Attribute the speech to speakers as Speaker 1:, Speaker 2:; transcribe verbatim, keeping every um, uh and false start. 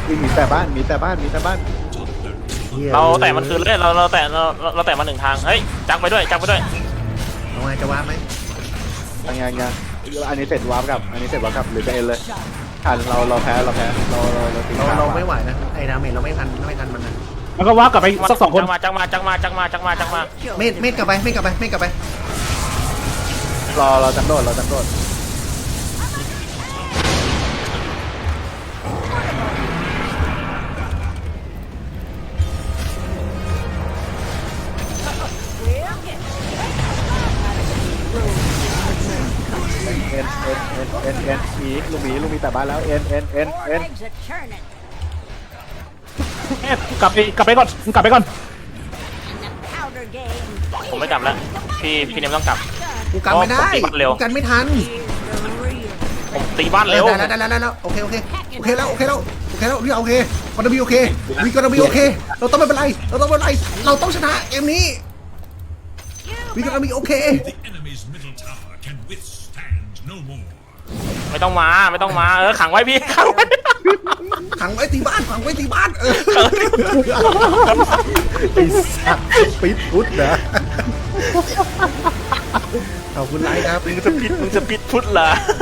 Speaker 1: วิ่งหนีแต่บ้านหนีแต่บ้านหนีแต่บ้าน
Speaker 2: เราแตะมันคืนเลยเราเราแตะเราเราแตะมาหนึ่งทางเฮ้ยจักไปด้วยจักไปด้วย
Speaker 3: เอาไงจะวาร์ปไหม
Speaker 1: ยังยังยังอันนี้เสร็จวาร์ปกับอันนี้เสร็จวาร์ปกับหรือจะเอ็นเลยอ่านเราเราแพ้เราแพ้เราเราเราตี
Speaker 3: เรา
Speaker 1: ข้าว
Speaker 3: เราไม่ไหวนะไอ้ดาเมจเราไม่ทันไม่ทันมันนะ
Speaker 4: แล้วก็ว่ากลับไปสักสองคน
Speaker 2: จักมาจักมาจักมาจักมาจักมาจักมา
Speaker 3: เมดเมดกลับไปเมดกลับไปเมดกลับไป
Speaker 1: รอเราจังโดดเราจังโดดเอ็นเอ็นเอ็นเอ็นเอ็นเอ็นหมีลูกหมีลูกหมีแต่บ้านแล้วเอ็นเอ็นเอ็นเอ็น
Speaker 5: Legs are churning.
Speaker 4: กลับไปกลับไปก่อนกลับไปก่อน
Speaker 5: Powder game.
Speaker 2: ผมไม่กลับแล้วพี่พี่เนมต้องกลับ
Speaker 3: กูกันไม่ได้
Speaker 2: ผมตีบัตรเร็ว
Speaker 3: กูกันไม่ทัน
Speaker 5: Here's the real.
Speaker 2: ผมตีบ้านเร็ว
Speaker 3: ได้แล้วได้แล้วได้แล้วโอเคโอเคโอเคแล้วโอเคแล้วโอเคแล้วนี่โอเคกอนบีโอเควีกอนบีโอเคเราต้องไม่เป็นไรเราต้องไม่เป็นไรเราต้องชนะเกมนี้วีกอนบีโอเค
Speaker 6: The enemy's middle tower can withstand no more.
Speaker 2: ไม่ต้องมาไม่ต้องมาเออขังไว้พี่ขังไว้
Speaker 3: ขังไว้ที่บ้านขังไว้ที่บ้านเออ
Speaker 1: ไอ้สัตว์ปิดพุทธนะ
Speaker 3: ขอบคุณไลค์ครับ
Speaker 2: มึงจะปิดมึงจะปิดพุทธเหรอ